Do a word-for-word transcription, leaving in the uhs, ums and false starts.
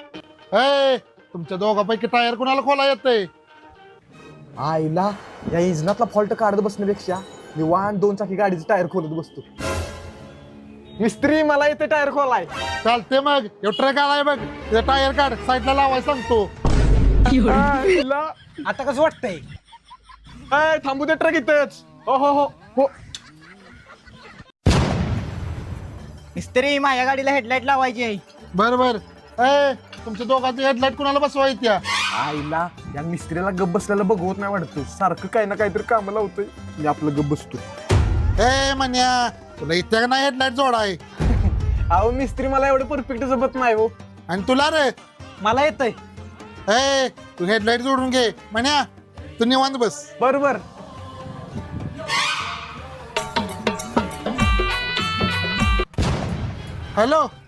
ए तुमच्या दोघांपैकी टायर कुणाला खोला येतंय? आईला या इंजिनातला फॉल्ट काढत बसण्यापेक्षा मी वाहन दोन चाकी गाडीचं टायर खोलत बसतो. मिस्त्री मला इथे टायर खोलाय. चालते मग ह्यो ट्रक आलाय बघ, ते टायर काढ, साईडला लावाय सांगतो. आईला आता कसं वाटतंय? ए, थांबू दे ट्रक इथेच. हो हो हो हो. मिस्त्री माझ्या गाडीला हेडलाईट लावायची आहे. बर बर. ए तुमच्या दोघांची हेडलाईट कुणाला बसवायच्या? आईला या मिस्त्रीला गप बसल्याला बघवत नाही वाटतं, सारखं काही ना काहीतरी काम लावतोय. मी आपलं गप बसतो. ए म्हण्या तुला इथे का नाही हेडलाईट जोडाय? अहो मिस्त्री मला एवढं परफेक्ट जमत नाही हो. आणि तुला रे? मला येतंय. ए तू हेडलाईट जोडून घे. म्हण्या तू निवांत बस. बरोबर. हॅलो